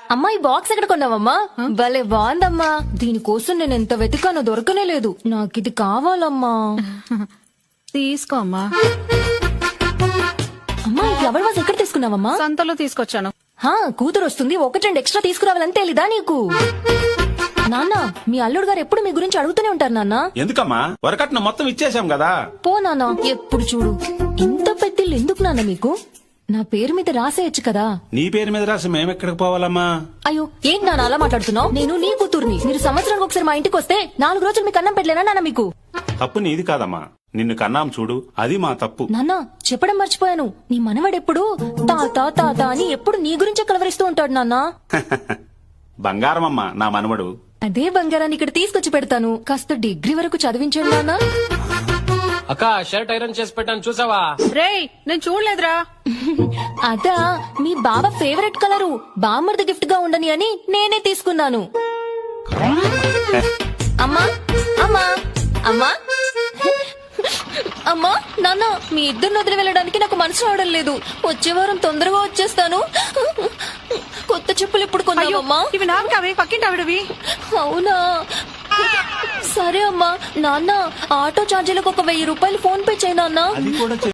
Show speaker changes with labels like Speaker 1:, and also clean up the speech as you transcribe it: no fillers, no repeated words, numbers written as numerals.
Speaker 1: అమ్మా ఈ బాక్స్ ఎక్కడ కొన్నావమ్మా? భలే బాగుందమ్మా. దీనికోసం నేను ఎంత వెతికానో దొరకనే లేదు. నాకిది కావాలమ్మా.
Speaker 2: తీసుకో అమ్మా.
Speaker 1: అమ్మా ఈ ఫ్లవర్ వాజ్ ఎక్కడ తీసుకున్నావమ్మా?
Speaker 2: సంతలో తీసుకొచ్చాను.
Speaker 1: కూతురు వస్తుంది, ఒకటి రెండు ఎక్స్ట్రా తీసుకురావాలని తెలీదా నీకు? నాన్న మీ అల్లుడు గారు ఎప్పుడు మీ గురించి అడుగుతూనే ఉంటారు నాన్న.
Speaker 3: ఎందుకమ్మా? వరకట్న మొత్తం ఇచ్చేసాం కదా.
Speaker 1: పో నాన్న, ఎప్పుడు చూడు ఇంత పెద్దిల్లు ఎందుకు నాన్న మీకు? నా పేరు మీద రాసేయచ్చు కదా.
Speaker 3: నీ పేరు మీద రాసి మేమెక్కడికి పోవాలమ్మా?
Speaker 1: అయ్యో ఏంటి నాన్న అలా మాట్లాడుతున్నావు? నేను నీ కూతుర్ని. మీరు సంవత్సరానికి ఒకసారి మా ఇంటికి వస్తే 4 రోజులు మీకు అన్నం పెట్టలేనా నాన్న మీకు?
Speaker 3: తప్పు నీది కాదమ్మా, నిన్ను కన్నాం చూడు, అది మా తప్పు.
Speaker 1: నాన్న చెప్పడం మర్చిపోయాను, నీ మనవడెప్పుడు తాత తాత అని ఎప్పుడు నీ గురించే కలవరిస్తూ ఉంటాడు నాన్న.
Speaker 3: బంగారమమ్మా నా మనవడు.
Speaker 1: అదే బంగారాన్ని ఇక్కడ తీసుకొచ్చి పెడతాను. కాస్త డిగ్రీ వరకు చదివించండి నాన్న.
Speaker 4: అక్క షర్ట్ ఐరన్ చేసి పెట్టాను చూసావా?
Speaker 2: రేయ్ నేను చూడలేదురా.
Speaker 1: అదా మీ బావ ఫేవరెట్ కలరు, బామ్మర్ది గిఫ్ట్ గా ఉండని అని నేనే తీసుకున్నాను. అమ్మా అమ్మా అమ్మా అమ్మా నాన్న మీ ఇద్దరిని వదిలి వెళ్ళడానికి నాకు మనసు రావడం లేదు. వచ్చే వారం తొందరగా వచ్చేస్తాను. కొత్త చెప్పులు ఎప్పుడు కొన్నావమ్మా?
Speaker 2: ఇవి నాకు కావే, పక్కింటి ఆవిడవి.
Speaker 1: అవునా సరే అమ్మా. నాన్న ఆటో ఛార్జీలకు ఒక 1000 రూపాయలు ఫోన్ పే చేయి నాన్న.
Speaker 3: అది కూడా